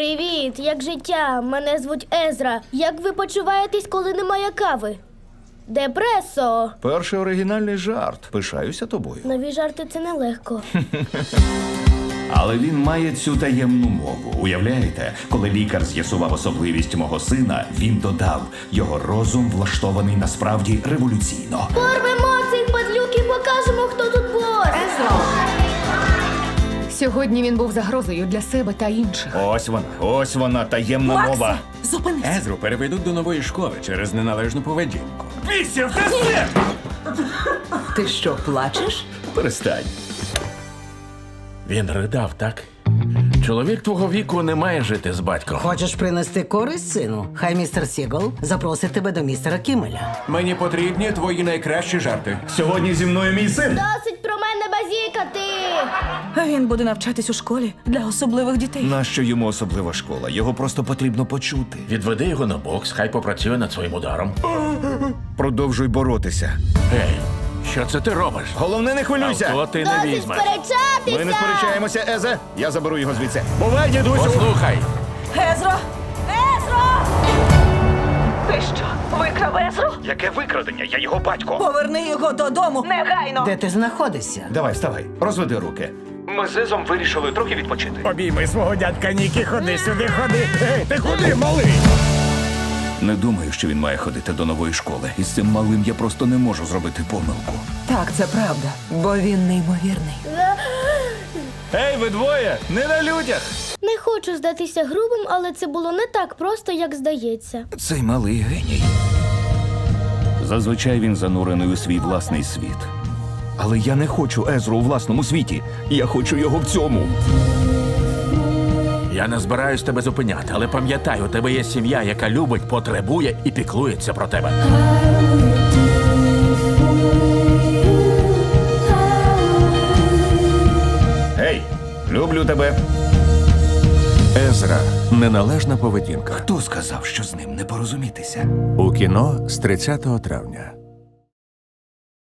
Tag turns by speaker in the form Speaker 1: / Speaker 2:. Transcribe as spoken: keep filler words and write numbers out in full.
Speaker 1: Привіт, як життя? Мене звуть Езра. Як ви почуваєтесь, коли немає кави? Депресо.
Speaker 2: Перший оригінальний жарт. Пишаюся тобою.
Speaker 1: Нові жарти – це нелегко.
Speaker 2: Але він має цю таємну мову. Уявляєте, коли лікар з'ясував особливість мого сина, він додав, його розум влаштований насправді революційно.
Speaker 1: Порвемо цих падлюк і покажемо, хто тут бос.
Speaker 3: Сьогодні він був загрозою для себе та інших.
Speaker 2: Ось вона, ось вона, таємна
Speaker 3: Максе,
Speaker 2: мова.
Speaker 3: зупинись!
Speaker 4: Езру переведуть до нової школи через неналежну поведінку.
Speaker 2: Пісів, ти все!
Speaker 5: Ти що, плачеш?
Speaker 2: Перестань.
Speaker 6: Він ридав, так? Чоловік твого віку не має жити з батьком.
Speaker 5: Хочеш принести користь сину? Хай містер Сігл запросить тебе до містера Кіммеля.
Speaker 4: Мені потрібні твої найкращі жарти.
Speaker 2: Сьогодні зі мною мій син.
Speaker 1: Досить про мене базікати.
Speaker 7: Він буде навчатись у школі для особливих дітей.
Speaker 2: Нащо йому особлива школа? Його просто потрібно почути.
Speaker 6: Відведи його на бокс, хай попрацює над своїм ударом.
Speaker 2: Продовжуй боротися.
Speaker 6: Гей, що це ти робиш?
Speaker 2: Головне, не хвилюйся.
Speaker 6: Авто ти не
Speaker 1: Досить
Speaker 6: візьмеш.
Speaker 1: сперечатися.
Speaker 2: Ми не сперечаємося, Езе. Я заберу його звідси. Бувай, дідусю!
Speaker 6: Послухай,
Speaker 7: Езро! Езро! Ти що, викрав Езру?
Speaker 2: Яке викрадення? Я його батько.
Speaker 7: Поверни його додому негайно!
Speaker 5: Де ти знаходишся?
Speaker 2: Давай, вставай, розведи руки. Ми з Езом вирішили трохи відпочити.
Speaker 4: Обійми свого дядька Нікі, ходи сюди, ходи. Ей, ти куди, малий?
Speaker 2: Не думаю, що він має ходити до нової школи. Із цим малим я просто не можу зробити помилку.
Speaker 7: Так, це правда, бо він неймовірний.
Speaker 2: Ей, ви двоє! Не на людях!
Speaker 1: Не хочу здатися грубим, але це було не так просто, як здається.
Speaker 2: Цей малий геній. Зазвичай він занурений у свій власний світ. Але я не хочу Езру у власному світі. Я хочу його в цьому.
Speaker 6: я не збираюсь тебе зупиняти, але пам'ятай, у тебе є сім'я, яка любить, потребує і піклується про тебе.
Speaker 2: Гей, люблю тебе.
Speaker 4: Езра. Неналежна поведінка.
Speaker 2: Хто сказав, що з ним не порозумітися?
Speaker 4: У кіно з тридцятого травня.